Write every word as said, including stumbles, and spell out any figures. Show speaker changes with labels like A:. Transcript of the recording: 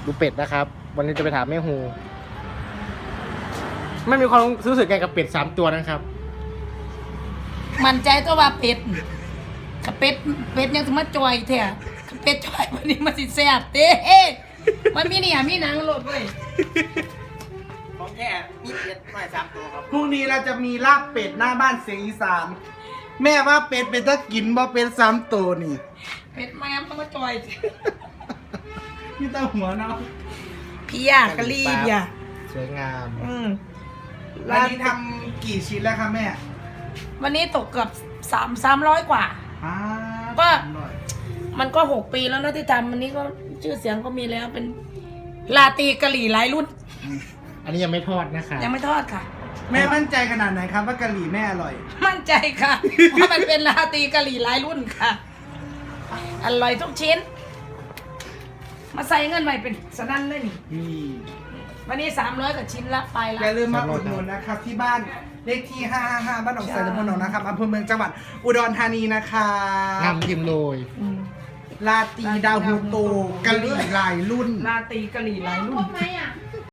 A: ดูเป็ดนะครับ วันนี้จะไปถามแม่ฮูไม่มีความรู้สึกไงกับเป็ดสามตัวนะครับ
B: มันใจตัวว่าเป็ดกับเป็ดเป็ดยังสมาจอยเถอะกับเป็ดจอยวันนี้มันสิแซ่บเด้มันมีเนี่ยมีหนังโลดเว้ย
C: ของแค่มีเป็ดหน่อยสามตัวครับ
D: พรุ่งนี้เราจะมีลาบเป็ดหน้าบ้านเสียงอีสานแม่ว่าเป็ดเป็นตะกินบ่เป็นสามตัวนี่
B: เป็ดแม่มต้องมาจอย
D: นี่ตาหัวเนาะ
B: พี่ยากะลีบอย่า
A: สวยงาม
B: อืม
D: วันนี้ทำกี่ชิ้นแล้วครับแม่
B: วันนี้ตกเกือบสามสามร้อยกว่า
D: อ่า
B: ก็
D: อร่อย
B: มันก็หกปีแล้วนะที่ทำวันนี้ก็ชื่อเสียงก็มีแล้วเป็นลาตีกะหรี่หลายรุ่น
A: อันนี้ยังไม่ทอดนะคะ
B: ยังไม่ทอดค่ะ
D: แม่มั่นใจขนาดไหนครับว่ากะหรี่แม่อร่อย
B: มั่นใจค่ะว่ามันเป็นลาตีกะหรี่หลายรุ่นค่ะอร่อยทุกชิ้น มาใส่เงินใหม่เป็นสนั่นเลยนี่
D: นี่
B: วันนี้สามร้อยกว่าชิ้นละไปละ
D: อย่าลืมมาอุดหนุนนะครับที่บ้านเลขที่ห้าห้าห้าบ้านหนองไทรตำบลหนองนะครับอำเภอเมืองจังหวัดอุดรธานีนะคะ
A: งามยิ้มโรย
B: อืม
D: ลาตีดาวฮูโตกะหรี่หลายรุ่น
B: ลาตีกะหรี่หลายรุ่น
E: ไหมอ่ะ